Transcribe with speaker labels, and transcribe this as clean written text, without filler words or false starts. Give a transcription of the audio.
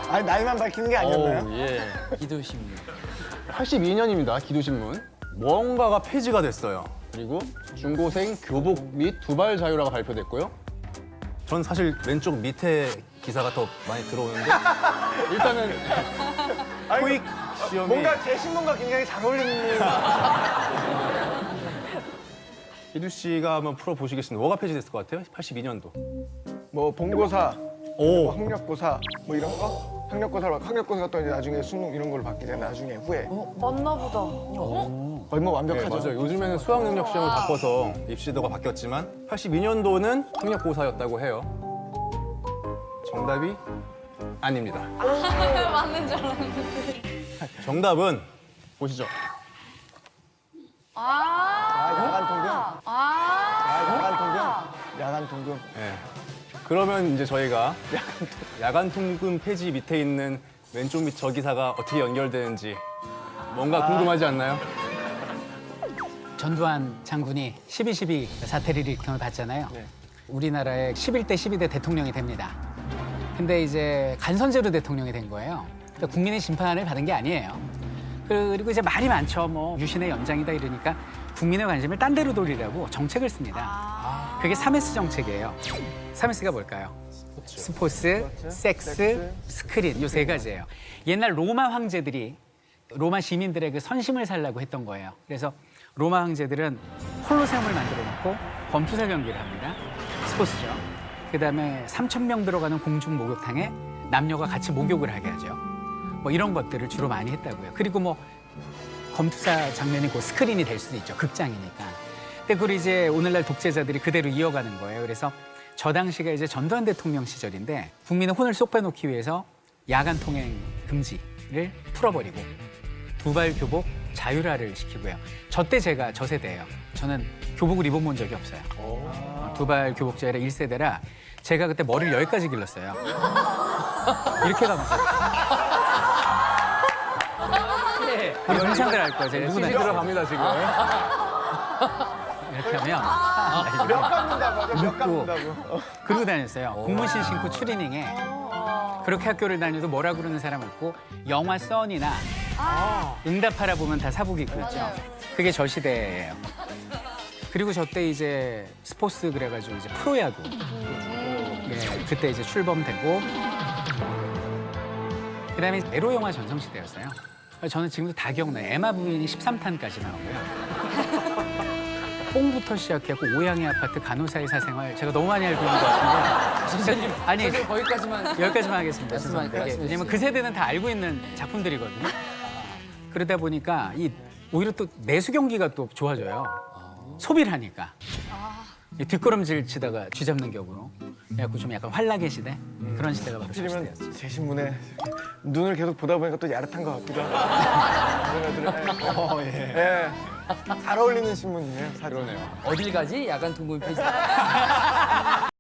Speaker 1: 아니 나이만 밝히는 게 아니었나요?
Speaker 2: 예. 기도신문.
Speaker 3: 82년입니다. 기도신문.
Speaker 4: 뭔가가 폐지가 됐어요.
Speaker 3: 그리고 중고생 교복 및 두발 자유라가 발표됐고요.
Speaker 4: 전 사실 왼쪽 밑에 기사가 더 많이 들어오는데
Speaker 3: 일단은
Speaker 4: 토익 시험이
Speaker 1: 뭔가 제 신문과 굉장히 잘 어울리는.
Speaker 4: 기두 씨가 한번 풀어보시겠습니다. 뭐가 폐지됐을 것 같아요? 82년도.
Speaker 1: 뭐 본고사,
Speaker 4: 오.
Speaker 1: 뭐 학력고사 뭐 이런 거? 학력고사가 또 이제 나중에 수능 이런 걸로 바뀌잖아요. 나중에 후에.
Speaker 5: 맞나 보다.
Speaker 1: 거의 뭐
Speaker 4: 네,
Speaker 1: 완벽하죠.
Speaker 4: 맞아요. 요즘에는 수학 능력 시험을 바꿔서 입시도가 바뀌었지만 82년도는 학력고사였다고 해요. 정답이 아닙니다.
Speaker 5: 맞는 줄 알았는데.
Speaker 4: 정답은
Speaker 3: 보시죠.
Speaker 1: 야간 통금. 야간 통금. 야간 통금.
Speaker 4: 예. 그러면 이제 저희가 야간 통금 폐지 밑에 있는 왼쪽 밑 저 기사가 어떻게 연결되는지 뭔가 궁금하지 않나요?
Speaker 2: 전두환 장군이 12.12 사태를 일으킨 걸 봤잖아요. 우리나라의 11대 12대 대통령이 됩니다. 근데 이제 간선제로 대통령이 된 거예요. 그러니까 국민의 심판을 받은 게 아니에요. 그리고 이제 말이 많죠. 뭐 유신의 연장이다 이러니까 국민의 관심을 딴 데로 돌리라고 정책을 씁니다. 그게 3S 정책이에요. 3S가 뭘까요? 스포츠, 섹스, 스크린 요 세 가지예요. 옛날 로마 황제들이 로마 시민들의 그 선심을 살라고 했던 거예요. 그래서 로마 황제들은 콜로세움을 만들어 놓고 검투사 경기를 합니다. 스포츠죠. 그다음에 3,000명 들어가는 공중 목욕탕에 남녀가 같이 목욕을 하게 하죠. 뭐 이런 것들을 주로 많이 했다고요. 그리고 뭐 검투사 장면이 그 스크린이 될 수도 있죠. 극장이니까. 근데 그걸 이제 오늘날 독재자들이 그대로 이어가는 거예요. 그래서 저 당시가 이제 전두환 대통령 시절인데 국민의 혼을 쏙 빼놓기 위해서 야간 통행 금지를 풀어버리고 두발 교복 자율화를 시키고요. 저 때 제가 저 세대예요. 저는 교복을 입어본 적이 없어요. 두발 교복 자율화 1세대라 제가 그때 머리를 여기까지 길렀어요. 이렇게 가면서. 우리 동창들 알 거야. 제가 누구나
Speaker 4: 들어갑니다 지금.
Speaker 2: 이렇게 하면
Speaker 1: 몇 깎는다고 하죠? 몇
Speaker 2: 묻고.
Speaker 1: 깎는다고.
Speaker 2: 그러고 다녔어요. 공무실 신고 추리닝에 그렇게 학교를 다녀도 뭐라 그러는 사람 없고 영화 써니나 응답하라 보면 다 사복 입고 있죠. 그게 저 시대예요. 그리고 저 때 이제 스포츠 그래가지고 이제 프로야구. 예, 그때 이제 출범되고 그다음에 에로 영화 전성시대였어요. 저는 지금도 다 기억나요. 에마 부인이 13탄까지 나오고요. 뽕부터 시작해고 오양의 아파트 간호사의 사생활 제가 너무 많이 알고 있는 것 같은데
Speaker 6: 선생님,
Speaker 2: 아니
Speaker 6: 선생님 거기까지만.
Speaker 2: 여기까지만 하겠습니다.
Speaker 6: 말씀해
Speaker 2: 죄송합니다.
Speaker 6: 주세요.
Speaker 2: 왜냐면 그 세대는 다 알고 있는 작품들이거든요. 그러다 보니까 오히려 또 내수 경기가 또 좋아져요. 소비를 하니까. 이 뒷걸음질 치다가 쥐잡는 격으로. 그래갖고 좀 약간 환락의 시대? 그런 시대가 바로 저
Speaker 1: 하지만
Speaker 2: 시대였어요.
Speaker 1: 제 신문에 눈을 계속 보다 보니까 또 야릇한 것 같기도 하고. 예. 잘 어울리는 신문이에요. 사실.
Speaker 3: 그러네요.
Speaker 6: 어딜 가지? 야간 통금 폐지.